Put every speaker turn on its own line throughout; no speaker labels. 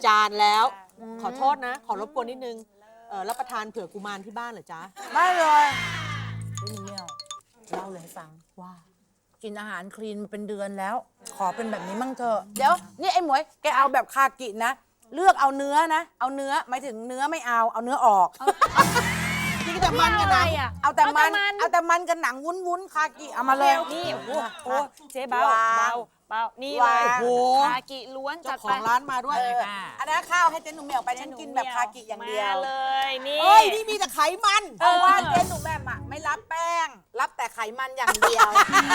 านแล้วขอโทษนะ ขอรบกวนนิดนึงรับประทานเผื่อกุมารที่บ้านเหรอจ๊ะ
ไม่เลยพี่เมียวเล่าเลยให้ฟังว่ากินอาหารคลีนมาเป็นเดือนแล้ว ขอเป็นแบบนี้มั่งเถอะเดี๋ยวนี่ไอ้หมวยแกเอาแบบคากินะเลือกเอาเนื้อนะเอาเนื้อหมายถึงเนื้อไม่เอาเนื้อออก
กินแต่มันกันนะ
เอาแต่มันกับหนังวุ้นคากิเอามาเลย
นี่โอ้เจ๊เบานี่เลยคากิล้วนจัดไป
ของร้านมาด้วย
อันนั้นข้าวให้เจ๊หนุ่มเหมียวไปฉันกินแบบคากิอย่างเดียว
เลยนี่
นี่มีแต่ไขมัน
ว่าเจ๊หนุ่มแม่ไม่รับแป้งรับแต่ไขมันอย่างเดียว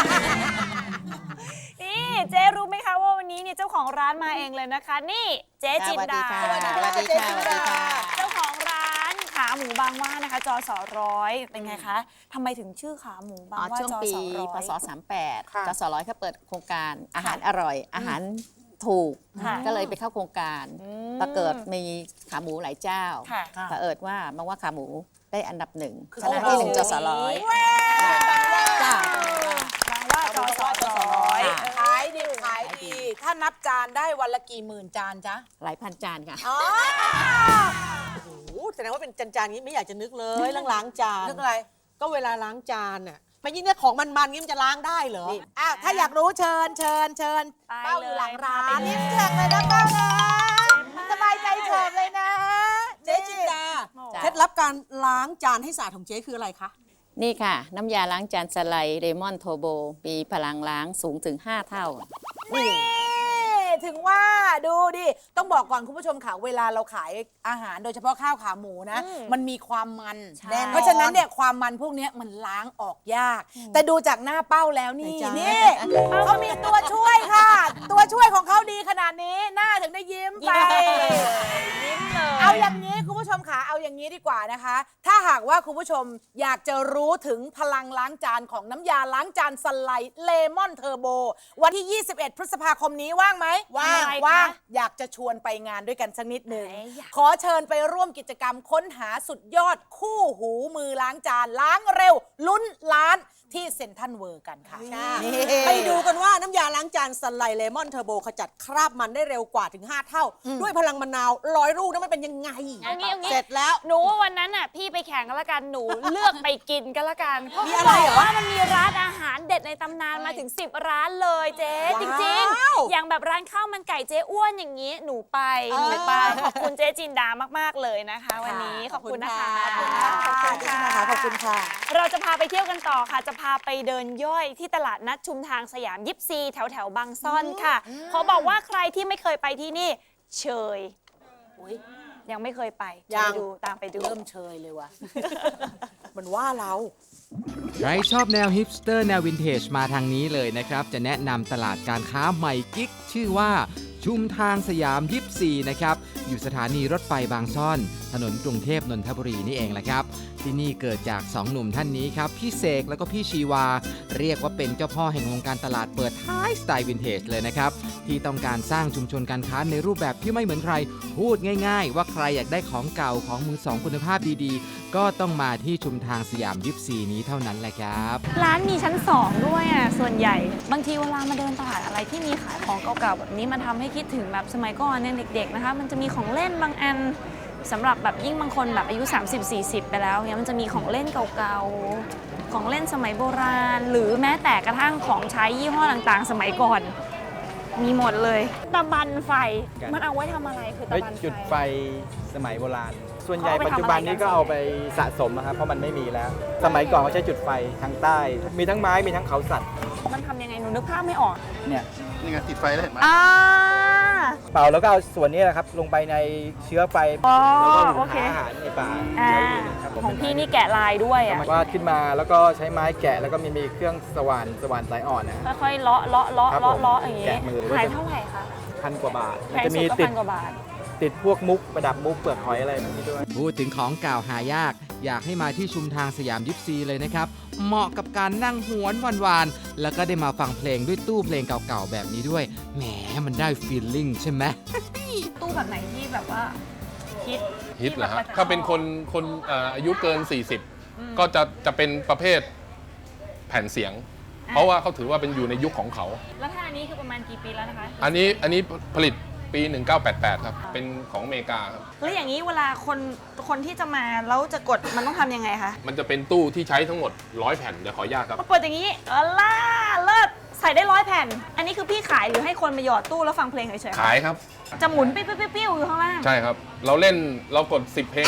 นี่เจ๊รู้ไหมคะว่าวันนี้เนี่ยเจ้าของร้านมาเองเลยนะคะนี่เจ๊จินดา
สวัสดีค่ะเจ๊จินดา
เจ้าของร้านขาหมูบางว่านะคะจส.100เป็นไงคะทำไมถึงชื่อขาหมูบางว่า
ช่วงปีพศ38จส.100เขาเปิดโครงการอาหารอร่อยอาหารถูกก็เลยไปเข้าโครงการปรากฏมีขาหมูหลายเจ้าเผอิญว่าบางว่าขาหมูได้อันดับ1ชนะที่1จส.100จ้า
บางว่าจส.100
ขายดีถ้านับจานได้วันละกี่หมื่นจานจ๊ะ
หลายพันจานค่ะ
โอ้โหแสดงว่าเป็นจานนี้ไม่อยากจะนึกเลยล้างจาน
นึกอะไร
ก็เวลาล้างจานน่ะไม่ยิ่งเนี่ยของมันงี้มันจะล้างได้เหรอ
ถ้าอยากรู้เชิญเป้าอยู่หลังร้านนี่เชิญเลยนะเป้านะสบายใจเฉิบเลยนะ
เจ๊จินดาเคล็ดลับการล้างจานให้สะอาดของเจ๊คืออะไรคะ
นี่ค่ะน้ำยาล้างจานสไลด์เลมอนโทโบมีพลังล้างสูงถึง5 เท่า
ถึงว่าดูดิต้องบอกก่อนคุณผู้ชมค่ะเวลาเราขายอาหารโดยเฉพาะข้าวขาหมูนะมันมีความมันเพราะฉะนั้นเนี่ยความมันพวกนี้มันล้างออกยากแต่ดูจากหน้าเป้าแล้วนี่เขามีตัวช่วยค่ะตัวช่วยของเขาดีขนาดนี้หน้าถึงได้ยิ้มไป
ยิ้มเลย
เอาอย่างนี้คุณผู้ชมค่ะเอาอย่างนี้ดีกว่านะคะถ้าหากว่าคุณผู้ชมอยากจะรู้ถึงพลังล้างจานของน้ำยาล้างจานสไลด์เลมอนเทอร์โบวันที่21 พฤษภาคมนี้ว่างไหมว่างอยากจะชวนไปงานด้วยกันสักนิดหนึ่งขอเชิญไปร่วมกิจกรรมค้นหาสุดยอดคู่หูมือล้างจานล้างเร็วลุ้นล้านที่เซ็นทรัลเวิลด์กันค่ะ
ไปดูกันว่าน้ำยาล้างจานสไลด์เลมอนเทอร์โบขจัดคราบมันได้เร็วกว่าถึง5 เท่าด้วยพลังมะนาว100 ลูกนั้นมันเป็นยังไงเสร็จแล้ว
หนูวันนั้นน่ะพี่ไปแข่งกันละกันหนูเลือกไปกินกันละกัน
มีอะไรเหรอ
ว่ามันมีร้านอาหารเด็ดในตำนานมาถึง10 ร้านเลยเจ๊จริงๆอย่างแบบร้านข้าวมันไก่เจ๊อ้วนอย่างนี้หนูไปขอบคุณเจ๊จินดามากๆเลยนะคะวันนี้ขอบคุณนะคะ
ขอบคุณค่ะ
เราจะพาไปเที่ยวกันต่อค่ะจะพาไปเดินย่อยที่ตลาดนัดชุมทางสยามยิปซีแถวบางซ่อนค่ะขอบอกว่าใครที่ไม่เคยไปที่นี่เชยยังไม่เคยไปตามไปดู
เริ่มเชยเลยว่ะ
มันว่าเรา
ใครชอบแนวฮิปสเตอร์แนววินเทจมาทางนี้เลยนะครับจะแนะนำตลาดการค้าใหม่กิ๊กชื่อว่าชุมทางสยามยิปซีนะครับอยู่สถานีรถไฟบางซ่อนถนนกรุงเทพนนทบุรีนี่เองแหละครับที่นี่เกิดจาก2 หนุ่มท่านนี้ครับพี่เสกแล้วก็พี่ชีวาเรียกว่าเป็นเจ้าพ่อแห่งวงการตลาดเปิดท้ายสไตล์วินเทจเลยนะครับที่ต้องการสร้างชุมชนการค้าในรูปแบบที่ไม่เหมือนใครพูดง่ายๆว่าใครอยากได้ของเก่าของมือสองคุณภาพดีๆก็ต้องมาที่ชุมทางสยามยิปซีนี้เท่านั้นแหละครับ
ร้านมีชั้น2ด้วยอ่ะส่วนใหญ่บางทีเวลามาเดินตลาดอะไรที่มีขายของเก่าๆแบบนี้มันทำให้คิดถึงแบบสมัยก่อนเนี่ยเด็กๆนะคะมันจะมีของเล่นบางอันสำหรับแบบยิ่งบางคนแบบอายุ30-40ไปแล้วเนี่ยมันจะมีของเล่นเก่าๆของเล่นสมัยโบราณหรือแม้แต่กระทั่งของใช้ยี่ห้อต่างๆสมัยก่อนมีหมดเลยตะบันไฟมันเอาไว้ทำอะไรคือตะบันไฟ
จุดไฟสมัยโบราณส่วนใหญ่ปัจจุบันนี้ก็เอาไปสะสมนะครับเพราะมันไม่มีแล้วสมัยก่อนเขาใช้จุดไฟทางใต้มีทั้งไม้มีทั้งเขาสัตว์
มันทำยังไงหนูนึกภาพไม่ออก
เนี่ย
นี่ไงติดไฟแล้วเห็นไหม
เป่าแล้วก็เอาส่วนนี้แหละครับลงไปในเชื้อไฟแล้วก็หาอาหารในป่า
ของพี่นี่แกะลายด้วยอ่ะ
วาดขึ้นมาแล้วก็ใช้ไม้แกะแล้วก็มีเครื่องสว่านสายอ่อนนะ
ค่อยๆเลาะอย่างนี้ขายเท่าไหร่คะ
1,000 กว่าบาท
มันจะมี
ติดพวกมุกประดับมุกเปลือกหอยอะไรแบบนี้ด้วย
พูดถึงของเก่าหายากอยากให้มาที่ชุมทางสยามยิปซีเลยนะครับเหมาะกับการนั่งหวนวานๆแล้วก็ได้มาฟังเพลงด้วยตู้เพลงเก่าๆแบบนี้ด้วยแหมมันได้ฟีลลิ่งใช่ไหม
ตู้แบบไหนที่แบบว่า
ฮิตเหรอฮะถ้าเป็นคนอายุเกิน40ก็จะเป็นประเภทแผ่นเสียงเพราะว่าเขาถือว่าเป็นอยู่ในยุคของเขา
แล้วถ้าอันนี้คือประมาณกี่ปีแล้วนะคะ
อันนี้ผลิตปปี 1988 ครับ เป็นของอเมริกาครับ
แล้วอย่างนี้เวลาคนที่จะมาแล้วจะกดมันต้องทำยังไงคะ
มันจะเป็นตู้ที่ใช้ทั้งหมด 100 แผ่น เดี๋ยวขออนุญาตครับ
เปิดอย่างนี้ล่าเลิศใส่ได้100 แผ่น อันนี้คือพี่ขายหรือให้คนมาหยอดตู้แล้วฟังเพลงเฉยๆ
ขายครับ
จะหมุนปิ้วๆอยู่ข้างล่าง
ใช่ครับ เรากด 10 เพลง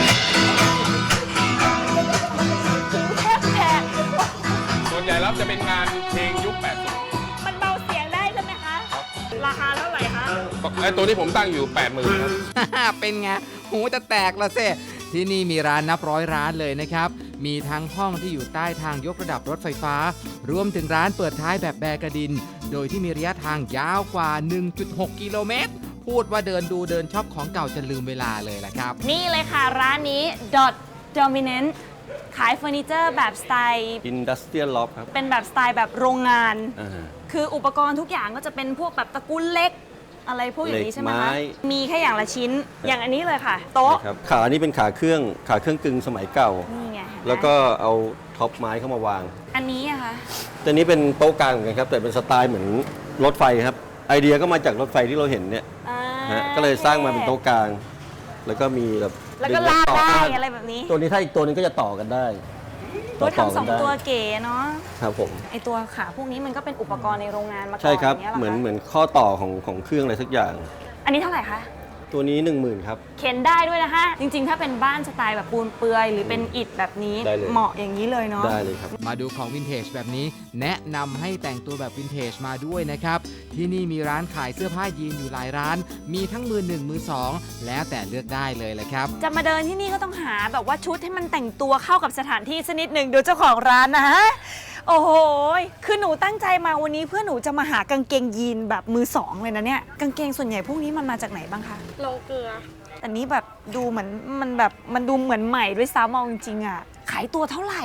แทบแตก
ส่วนใหญ่แล้วจะเป็นงานเพลงยุค 80
มันเบาเสียงได้ใช่ไหมคะ ราคาเท่าไหร่คะ
ไอ้ตัวนี้ผมตั้งอยู่ 80,000 ครับ
เป็นไงหูจะแตกละเซ่ที่นี่มีร้านนับร้อยร้านเลยนะครับ มีทั้งห้องที่อยู่ใต้ทางยกระดับรถไฟฟ้า รวมถึงร้านเปิดท้ายแบบแบกระดิน โดยที่มีระยะทางยาวกว่า 1.6 กิโลเมตร พูดว่าเดินดูเดินช็อปของเก่าจะลืมเวลาเลยล่ะครับ
นี่เลยค่ะร้านนี้ Dot Dominant ขายเฟอร์นิเจอร์แบบสไตล์
Industrial Loft ครับ
เป็นแบบสไตล์แบบโรงงาน
อ่า
คืออุปกรณ์ทุกอย่างก็จะเป็นพวกแบบตระกูลเล็ก อะไรพวกอย่างนี้ใช่ไหม
เหล็ก
คะ
ไม้
มีแค่อย่างละชิ้น อย่างอันนี้เลยค่ะ โต๊ะ
นะครับขานี้เป็นขาเครื่องกึ่งสมัยเก่า
นี่ไงเห็นไหม
แล้วก็เอาท็อปไม้เข้ามาวาง
อันนี้อะคะ
ตัวนี้เป็นโต๊ะกลางเหมือนกันครับ แต่เป็นสไตล์เหมือนรถไฟครับ ไอเดียก็มาจากรถไฟที่เราเห็นเนี่ย
อ่า
ฮะก็เลยสร้างมาเป็นโต๊ะกลาง แล้วก็มีแบบ
แล้วก็
ดึง
ลาก
ต่อ
ได้
ข้าง
อะไรแบบนี้
ตัวนี้ถ้าอีกตัวนึงก็จะต่อกันได้
ตัวทำสอง
ได้
ตัวเก๋เนาะ
ครับผม
ไอตัวขาพวกนี้มันก็เป็นอุปกรณ์ในโรงงานมาก่อน
ใช่ครับ
ย่างงี้ยหร
เหมือน
คะ
เหมือนข้อต่อของเครื่องอะไรสักอย่าง
อันนี้เท่าไหร่คะ
ตัวนี้ 10,000ครับ
เข็นได้ด้วยนะคะ จริงๆ ถ้าเป็นบ้านสไตล์แบบปูนเปลือย หรือเป็นอิฐแบบนี้
ได้เลย
เหมาะอย่างนี้เลยเนาะ
ได้เลยครับ
มาดูของวินเทจแบบนี้แนะนำให้แต่งตัวแบบวินเทจมาด้วยนะครับ ที่นี่มีร้านขายเสื้อผ้ายีนอยู่หลายร้าน มีทั้งมือหนึ่งมือสองแล้วแต่เลือกได้เลยแหละครับ
จะมาเดินที่นี่ก็ต้องหาแบบว่าชุดให้มันแต่งตัวเข้ากับสถานที่สักนิดหนึ่งดูเจ้าของร้านนะฮะ โอ้โห คือหนูตั้งใจมาวันนี้เพื่อหนูจะมาหากางเกงยีนแบบมือสองเลยนะเนี่ย กางเกงส่วนใหญ่พวกนี้มันมาจากไหนบ้างคะ
โลเกลือ
แต่นี้แบบดูเหมือนมันดูเหมือนใหม่ด้วยซ้ำเอาจริงๆอ่ะ ขายตัวเท่าไหร่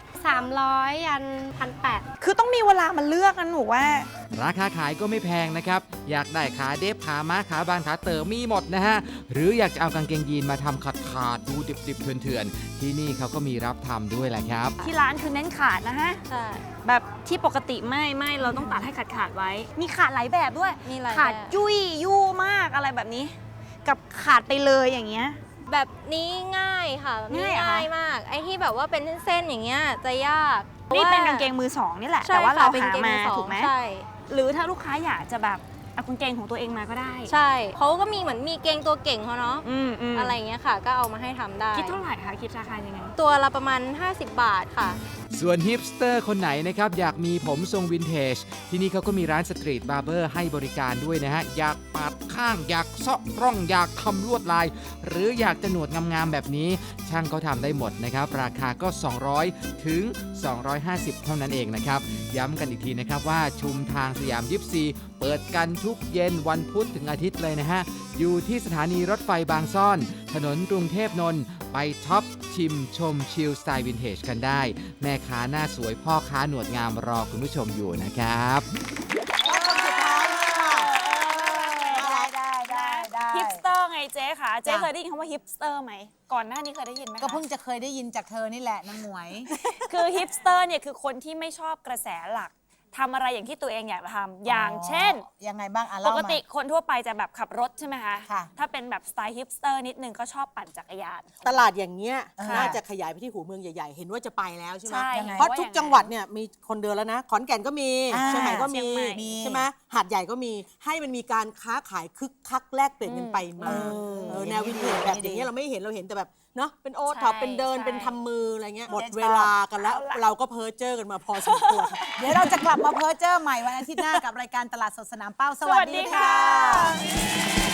300 ยัน 1,800
คือต้องมีเวลามาเลือกนะหนูว่า
ราคาขายก็ไม่แพงนะครับ อยากได้ขาเดฟขาม้าขาบานขาเต๋อมีหมดนะฮะ หรืออยากจะเอากางเกงยีนมาทำขาดๆดูดิบๆเถื่อนๆ ที่นี่เขาก็มีรับทำด้วยแหละครับ
ที่ร้านคือเน้นขาดนะฮะ
ใช่
แบบที่ปกติไม่เราต้องตัดให้ขาดไว้ มีขาดหลายแบบด้วย
มีหลาย
ขาด
แบบ
ยุ่ยยู่มากอะไรแบบนี้ กับขาดไปเลยอย่างเงี้ย
แบบนี้ง่ายค่ะแบบนี้
ง่ายเหรอคะ
ง่ายมาก ไอ้ที่แบบว่าเป็นเส้นๆอย่างเงี้ยจะยาก
นี่เป็นกางเกงมือสองนี่แหละ
ใช่
แต่ว่า
ค่ะ
เรา
เป็น
หา
เกง
มา
สอง
ถูกไหม
ใช่
หรือถ้าลูกค้าอยากจะแบบเอากางเกงของตัวเองมาก็ได้
ใช่เขาก็มีเหมือนมีเกงตัวเก่งเขาเนาะ
อืม
อะไรอย่างเงี้ยค่ะ ก็เอามาให้ทำได้
คิดเท่าไหร่คะคิดราคายังไง
ตัวละประมาณ 50 บาทค่ะ
ส่วนฮิปสเตอร์คนไหนนะครับอยากมีผมทรงวินเทจที่นี่เขาก็มีร้านสตรีทบาร์เบอร์ให้บริการด้วยนะฮะ อยากปาดข้างอยากเซาะร่องอยากทำลวดลาย หรืออยากจะหนวดงามๆแบบนี้ ช่างเขาทำได้หมดนะครับ ราคาก็ 200 ถึง 250 เท่านั้นเองนะครับ ย้ำกันอีกทีนะครับว่าชุมทางสยามยิปซีเปิดกันทุกเย็นวันพุธถึงอาทิตย์เลยนะฮะ อยู่ที่สถานีรถไฟบางซ่อน ถนนกรุงเทพนนท์ไปช็อปชิมชมชิลสไตล์วินเทจกันได้ แม่ค้าหน้าสวยพ่อค้าหนวดงามรอคุณผู้ชมอยู่นะครับ
และคนสุดท้ายนี่ค่ะได้
ฮิปสเตอร์ไงเจ๊ค่ะ เจ๊
จ้ะ
เคยได้ยินคำว่าฮิปสเตอร์ไหม ก่อนหน้านี้เคยได้ยินไหมคะ
ก็เพิ่งจะเคยได้ยินจากเธอนี่แหละนางหมวย
คือฮิปสเตอร์เนี่ยคือคนที่ไม่ชอบกระแสหลักทำอะไรอย่างที่ตัวเองอยากทำอย่างเช่น
ยังไงบ้างอ่ะ
ป
เล่าก มา
ติคนทั่วไปจะแบบขับรถใช่ไหมคะ
ค่ะ
ถ้าเป็นแบบสไตล์ฮิปสเตอร์นิดนึงก็ชอบปั่นจักรยาน
ตลาดอย่างเงี้ย
ค่ะ
น่าจะขยายไปที่หูเมืองใหญ่ๆ เห็นว่าจะไปแล้วใช่ไหม
ใช่
ยังไง
เพราะทุกจังหวัดเนี่ยมีคนเดินแล้วนะ ขอนแก่นก็มี
อ่า
เชียงใหม่ก็มี
เชียงใหม่
ใช่ไหมหาดใหญ่ก็มีให้มันมีการค้าขายคึกคักแลกเปลี่ยนกันไปมาแนววินเทจแบบอย่างเงี้ยเราไม่เห็นเราเห็นแต่แบบเนาะเป็นโอท็อปเป็นเดินเป็นทำมืออะไรเงี้ยหมดเวลากันแล้วเราก็เพ้อเจ้อกันมาพอสมควร
เดี๋ยวเราจะกลับมาเพ้อเจ้อใหม่วันอาทิตย์หน้ากับรายการตลาดสดสนามเป้า สวัสดีค่ะ